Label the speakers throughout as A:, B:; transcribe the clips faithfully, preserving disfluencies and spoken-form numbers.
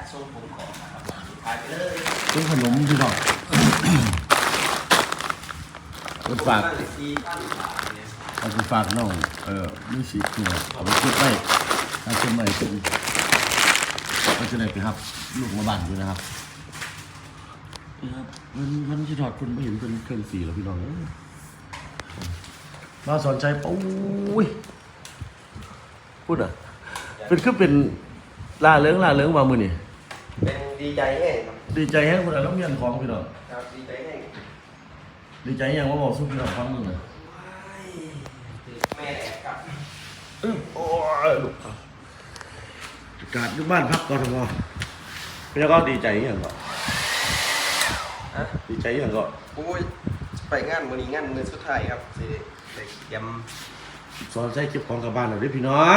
A: ทรงผมของนะครับขายไปเลย
B: เป็นขนมพี่น้องเป็นฝากเอาไปฝากน้องเออมีสีเขียวเอาไปเก็บไว้ถ้าเก็บไว้เป็นก็จะได้ไปครับลูกมาบ้านอยู่นะครับนี่ครับมันมันที่ถอดคนไม่เห็นเป็นเครื่องสีหรอพี่น้องมาสอนใจปุ้ยพูดอ่ะเป็นคือเป็นลาเลิ้งลาเลิ้งมามือนี่
A: เป็นดีใจแห้งครับ
B: ดีใจแห้งคนละน้ำเงี้ยนของพี่น้อง
A: ครับดีใจแห้ง
B: ดีใจยังว่าบอกสู้พี่น้องฟังมึงเลย
A: แม่แอบกลับ
B: โอ้ยลูกกาดอยู่บ้านพักกทมพี่ก็ดีใจยังก็ดีใจยังก็
A: โอ้ยไปงานมือนี้งานมือสุดท้ายครับสิเด็กย
B: ำสอนใช้เก็บของกับบ้านหน่อยด้วยพี่น้อง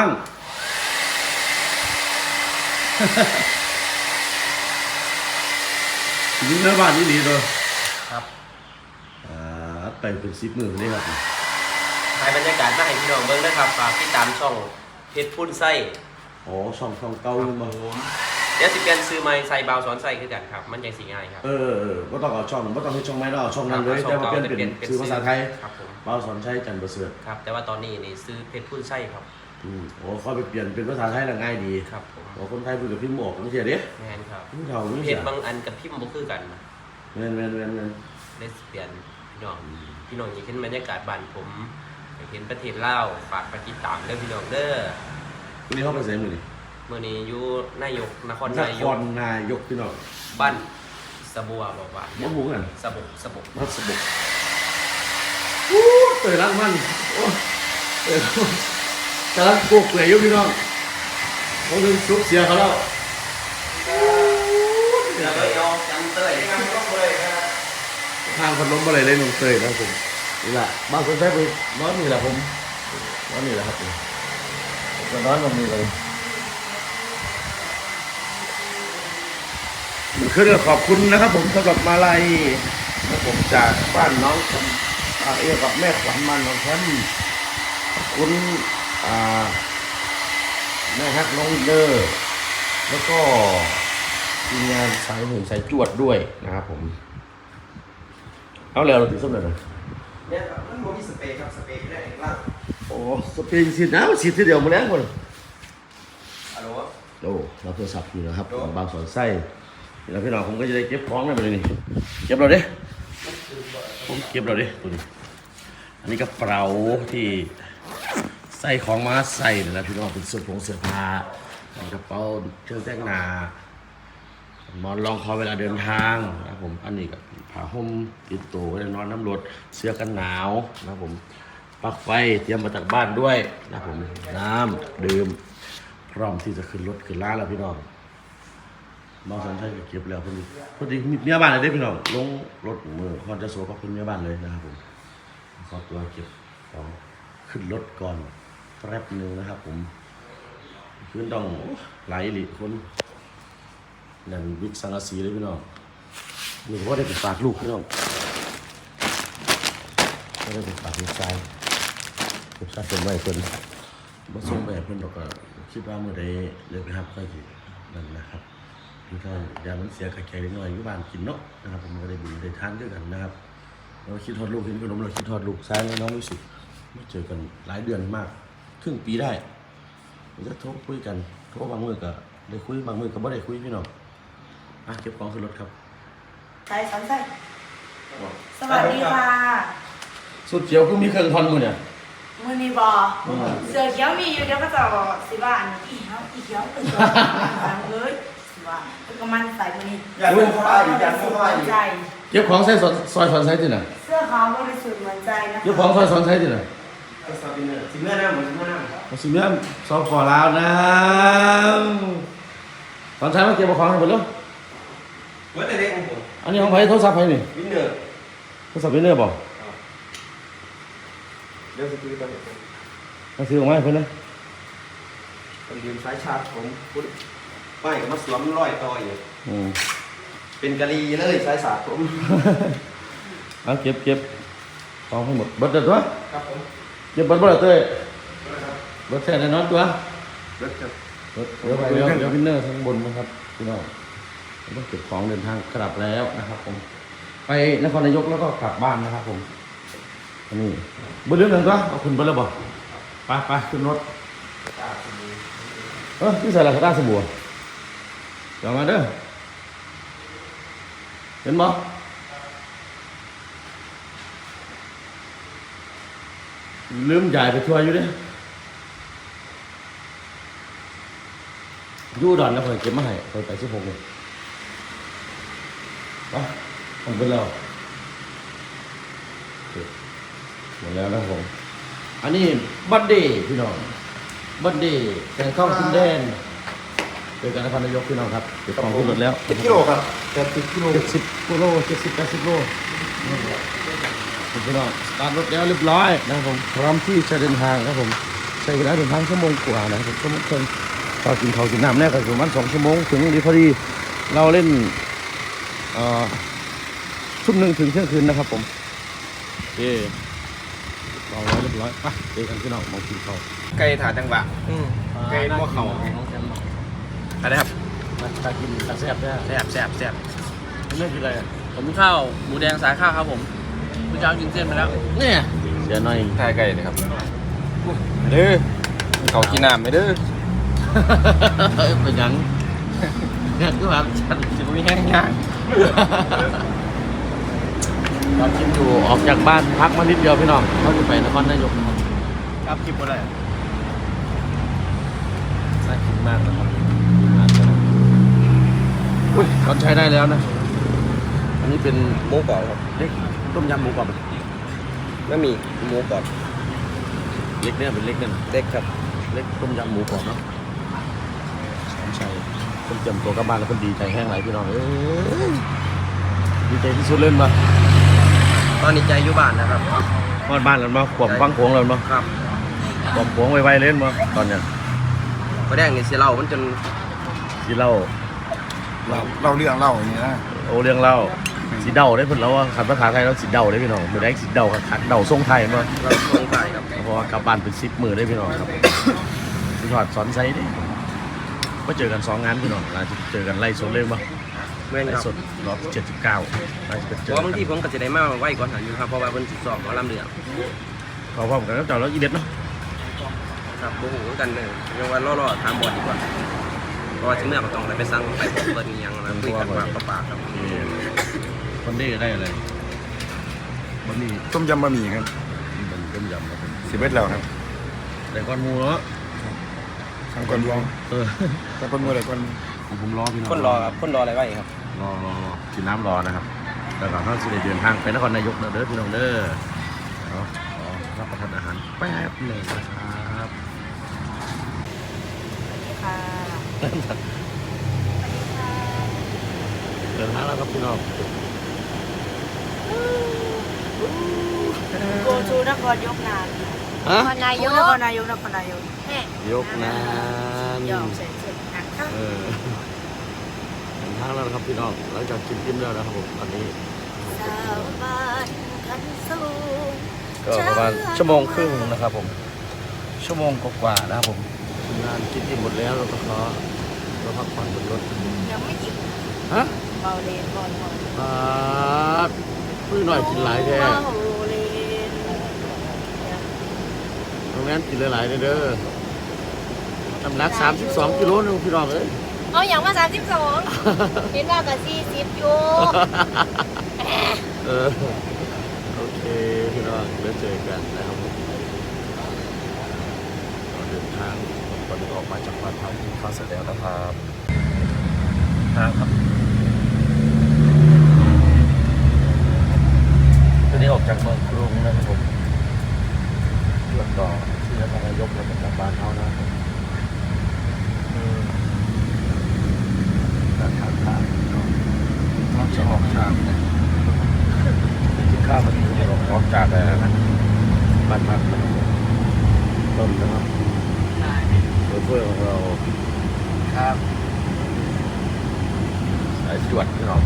B: นี่แม่บ้านนี่ดีเลย
A: ครับ
B: อ่าไปเป็นสิบหมื่นเลยครับ
A: ถ่ายบรรยากาศมาให้พี่น้องเบิ่งด้วยครับฝากติดตามช่องเพชรพุ่นไส้
B: อ๋อช่องช่องเก่าอยู่มา
A: เดี๋ยวสิเปลี่ยนซื้อไม้ใส่เบาสอนใส่คือกันครับมันยังสีง่ายครับ
B: เออเออไม่ต้องเอาช่องไม่ต้องให้ช่องไม้แล้วเอาช่องนั้นเลยแต่ว่าเปลี่ยนเป็นซื้อภาษาไทย
A: ครับผม
B: เบาสอนใช้จันทร์ประเสริฐ
A: ครับแต่ว่าตอนนี้นี่ซื้อเพชรพุ่นไส้ครับ
B: อืมโอ้เขาไปเปลี่ยนเป็นภาษาไทยแล้วง่ายดี
A: ครับผม
B: โอ้คนไทยพูดกับพิมพ์ออกไม่ใช่เด้
A: แม่นครับ
B: พิมพ์เท่าไม่
A: ใช่เพชรบางอันกับพิมพ์บ่คือกัน
B: แม่นแม่นแม่นแม่น
A: ได้เปลี่ยนพี่น้องพี่น้องอยากเห็นบรรยากาศบ้านผมอยากเห็นประเทศลาวฝากไปติดตามเด้อพี่น้องเด้อ
B: วันนี้เขาไปเสมือนี่
A: มื่อนี้อยู่นายกนคร
B: นายกนนายกพี่น้อง
A: บ้านสบัวบอกว่า
B: บ้านหมูกัน
A: สบกสบก
B: บ้านสบกอู้เตยรักมันโอ้เตยกำลังปลุกเลยยุพี่น้องเขาเรื่องซุกเสียเขาแล้ว
A: เดี๋ยวเราเอาจังเตยทางก็เลยครับ
B: ทางพัดลมอะไรเลยน้องเตยนะผมนี่แหละบ้านคนใช้ไปร้อนนี่แหละผมร้อนนี่แหละครับผมร้อนตรงนี้เลยคือขอบคุณนะครับผมสำหรับมาลัยนะผมจากบ้านน้องเอ๋กับแม่ขวัญมันน้องแชมป์ขอบคุณแม่ฮักน้องวินเดอร์แล้วก็ทีมงานสายหุ่นสายจวดด้วยนะครับผมเอาแล้วเราติดส้มเลยนะ
A: เนี่ยครับมันมีสเปรย์ครับสเปรย์ได้เองล่าง
B: โอ้สเปรย์ฉีดน้ำฉีดทีเดียวมาแล้วหมด
A: ฮัลโหล
B: โอ้รับโทรศัพท์อยู่นะครับบางสอนไส้แล้วพี่น้องผมก็จะได้เก็บของได้ไปเลยนี่เก็บเราดิผมเก็บเราดิตัวนี้อันนี้กระเป๋าที่ใส่ของมาใส่นะพี่น้องเป็นเสื้อผงเสื้อผ้ากระเป๋าเครื่องแต่งหน้าหมอนรองคอเวลาเดินทางนะผมอันนี้กับผ้าห่มติดตัวไว้นอนน้ำรถเสื้อกันหนาวนะผมปลั๊กไฟเตรียมมาจากบ้านด้วยนะผมน้ำดื่มพร้อมที่จะขึ้นรถขึ้นร้านแล้วพี่น้องน้องสันชัยก็เก็บแล้วพอดีพอดีมีเมียบ้านเลยได้พี่น้องลงรถมือคอนจะโซ่กับคุณเมียบ้านเลยนะครับผมขอตัวเก็บของขึ้นรถก่อนแป๊บนึงนะครับผมขึ้นต้องไหลหลีคนนั่นวิกสังกะสีเลยพี่น้องนี่ก็ได้เป็นฝากลูกพี่น้องก็ได้เป็นฝากลูกชายลูกชายเป็นไว้เพิ่นมาส่งแบบเพิ่นดอกก็คิดว่าเมื่อใดเลยไปครับก็สินั่นนะครับคือถ้ายามันเสียกระแกเล็กน้อยอยู่บ้านกินเนาะนะครับผมก็ได้บุญได้ทานด้วยกันนะครับเราคิดทอดลูกเห็นขนมเราคิดทอดลูกซ้ายน้องมิสุไม่เจอกันหลายเดือนมากครึ่งปีได้เราจะโทรคุยกันโทรบางมือก็ได้คุยบางมือก็ไม่ได้คุยพี่น้องอ่ะเก็บของขึ้นรถครับ
C: ใช่สองใช่สวัสดีค่ะ
B: สุดเขียวก็มีเครื่องทอนมือเนี่ย
C: มือนีบอเสือเขียวมีอยู่เดี๋ยวก็จะสิว่าอันอีเขียวอีเขียวตื่นตัวเลยสิว่าก็มันใส่มือนี้
A: อยากเป็นพ่ออีกอยากเป็นพ่ออีก
B: เก็บของใส่ซอยซอนใส่ที่ไหน
C: เสื้อขาวบริสุทธิ์เหมือนใจนะ
B: เก็บของซอยซอนใส่ที่ไหน
A: สิเมื่อน้ำเหมือนสิเมื่อน้
B: ำสิเมื่อซอฟฟอร์ลาวนะตอนใช้มาเก็บของให้หมดแล้ว
A: เมื่อแต่เด็กของผม
B: อันนี้ของใครโทรศัพท์ใครนี่
A: วินเนอร์
B: โทรศัพท์วินเนอร์บอก
A: เดี๋ยวจะซื้อกัน
B: มาซื้อออกมาให้เพื่อนนะ
A: เป็นเดือนสายชาร์จผมพูดไม่ก็มาสวมร้อยต่ออยู่เป็นกะลีเลยสายสาดผม
B: เอาเก็บเก็บของให้หมดเบิดเด็ดตัว
A: ครับผม
B: เก็บเบิดเบิดเต้ยเบิดแค่ในนอนตัว
A: เบิดครับ
B: เดี๋ยวไปเดี๋ยวเดี๋ยววินเนอร์ข้างบนนะครับพี่น้องต้องเก็บของเดินทางกลับแล้วนะครับผมไปนครนายกแล้วก็กลับบ้านนะครับผมอันนี้บนเรื่องหนึ่งก็เอาคุณไปแล้วบอกไปไปขึ้นรถเออที่ใส่ลาซาด้าสบู่เดี๋ยวมาเด้อเห็นบ่ลืมใหญ่ไปช่วยอยู่ดิยู่ดอนแล้วคอยเก็บมาให้คอยไปสิบหกเลยไปผมเป็นแล้วหมดแล้วนะผมอันนี้บัดดี้พี่น้องบัดดี้แข่งข้องซินแดนเจอกันนครนายกพี่น้องครับเก็บของขึ้นรถแล้ว
A: เจ็ดกิโลครับเจ็ดสิบกิโล
B: เจ็ดสิบกิโลเจ็ดสิบแปดสิบโลพี่น้องสตาร์ทรถแล้วเรียบร้อยนะครับผมพร้อมที่จะเดินทางครับผมใช้เวลาเดินทางชั่วโมงกว่านะครับชั่วโมงครึ่งพอกินข้าวกินน้ำแน่ก็ประมาณสองชั่วโมงถึงดีพอดีเราเล่นเอ่อทุ่มหนึ่งถึงเที่ยงคืนนะครับผมโอเคเราไว้เรียบร้อยไปเจอกันพี่น้องมองกินข้าว
A: ไก่ถาจังหวะไก่หม้อเข่าอะไรครับ
B: มาตากินตาแซ่บแซ่บ
A: แซ่บแซ่บแซ่บ
B: เรื่องอะไร
D: ผมข้าวหมูแดงสายข้าวครับผมคุณเจ้ากินเส้นไปแล้ว
B: เนี่ยเสียหน่อย
A: ทายไก่เลยครับเด้อเขากินน้ำไหมเด้อ
B: เป็นยังงานก็แบบฉัน
A: จะมีแห้งย่าง
B: ตอนกินอยู่ออกจากบ้านพักมานิดเดียวพี่น้องเขาจะไปนครนายกนะครับ
D: ครับคลิปอะไร
B: น่ากินมากนะครับอุ้ยตอนใช้ได้แล้วนะอันนี้เป็น
A: หมูกรอบครับ
B: เล็กต้มยำหมูกรอบ
A: ไม่มีหมูกรอบ
B: เล็กเนี่ยเป็นเล็กเนี่ย
A: เด็กครับ
B: เล็กต้มยำหมูกรอบเนาะสอนชัยคนเตรียมตัวกลับบ้านแล้วคนดีใจแห้งไหลพี่น้องเอ้ยดีใจที่สุดเล่นมา
A: ตอนนี้ใจอยู่บ้านนะครับ
B: พอดบ้านแล้วมาขวบฟังโขงแล้วมา
A: ครับ
B: ขวบโขงไวๆเล่นมาตอนเนี้ย
A: ก็แดงนี่เสียเหล้ามันจน
B: สีเล่า
E: เราเราเรื่องเล่าอย่างนี้นะ
B: โอเรื่องเล่าสีเดาได้เพิ่นแล้วว่าขันภาษาไทยแล้วสีเดาได้พี่น้องมือแรกสีเดาขัดเดาทรงไทยมา
A: เราสงสัยครับ
B: เพราะว่ากลับบ้านเป็นสิบมือได้พี่น้องครับสิถอดสอนไซด์ดิก็เจอกันสองงานพี่น้องอาจจะเจอกันไล่สดเลยมั้ง
A: เมื่อ
B: ไล่
A: ครับ
B: สดรอบเจ็ดสิบเก้าอาจจะเจ
A: เพ
B: อ
A: ราะบาง
B: กั
A: ที
B: น
A: ผมก็จะได้มาไหวก่อนหันอยู่ครับเพราะว่าเพิ่นสิสอบหมอลำเดือด
B: พร้อมๆกันกับเจ้าแล้วอีเด็ดเนาะ
A: ครับโอ้โหกันเลยยังว่าล่อๆถามบอดดีกว่าเพราะว่าที่เมื่อก็ต้องไปสั่งไปบอกเปิดอีหยังนะคุยกันปากต่อปากครับ
B: คนนี้ได้อะไรบะหมี่
E: ต้มยำบะหมี่ครับ
B: เป็นต้มยำครับผม
E: สิบเอ็ดแล้วครับ
B: แต่ก้อนหมูเนาะ
E: ทางก่อนรอ
B: เออ
E: ทางก่อนมืออะไรก่อน
B: ของผมรอพี่น้อง
A: คนรอครับคนรออะไรไว้ครับ
B: รอรอรอกินน้ำรอนะครับแต่ก่อนเขาจะได้เดินทางไปนครนายกเด้อพี่น้องเด้อเนาะขอรับประทานอาหารแป๊บหนึ่งนะครับ
C: ค่ะ
B: เดินทางแล้วครับพี่น้อง
C: โกชูนครยกนาน
B: ฮะ
C: นครนายกนครนายกนครนายกแม่
B: ยกนาน
C: ยอมเสร็จเสร็จอ่ะ
B: เออเดินทางแล้วนะครับพี่น้องหลังจากกินอิ่มแล้วนะครับผมตอนนี้
C: สาวบ้านขันสูง
B: ก็ประมาณชั่วโมงครึ่งนะครับผมชั่วโมงกว่าๆนะครับผมงานกินอิ่มหมดแล้วเราก็ขอเราพักผ่อนบนรถ
C: ยังไม่หยิบ
B: ฮะ
C: เบาเลนบอลบอล
B: อ่าพื้นหน่อยกินหลายแท้
C: เบาเลน
B: ตรงนั้นกินหลายๆเด้อน้ำหนักสามสิบสองกิโลนึงพี่น้องเอ้ย
F: เอาอย่างมาสามสิบสองเห็นว่ากับสี่สิบอยู่
B: เออโอเคพี่น้องแล้วเจอกันนะครับผมเราเดินทางตอนนี้ออกมาจากบ้านพักที่ฟ้าเสร็จแล้วนะครับทางครับตอนนี้ออกจากเมืองกรุงนะครับผมเพื่อต่อที่นครนายกแล้วก็กลับบ้านเขานะครับอืมการทางทางเนาะรอบจะออกทางเนี่ยกินข้าวมันจะออกออกจากอะไรนะบ้านพักนะครับต้นนะครับโชเฟอร์ของเราครับสายจวดพี่น้อง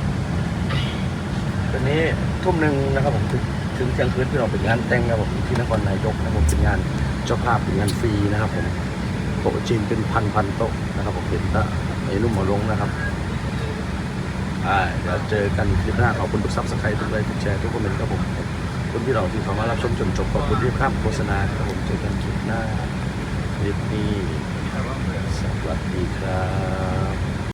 B: ตอนนี้ทุ่มหนึ่งนะครับผมถึงถึงเที่ยงคืนพี่น้องเป็นงานแต่งนะครับผมที่นครนายกนะครับผมเป็นงานเจ้าภาพเป็นงานฟรีนะครับผมต๊ะจีนเป็นพันพันโต๊ะนะครับผมเห็นตะไอ้นุ่มหมอลงนะครับอ่าเดี๋ยวเจอกันคลิปหน้าขอบคุณทุกซับสไครต์ทุกไลค์ทุกแชร์ทุกคอมเมนต์ครับผมคนที่เราที่เข้ามารับชมจนจบขอบคุณที่ข้ามโฆษณาครับผมเจอกันคลิปหน้าคลิปนี้สวัสดีครับ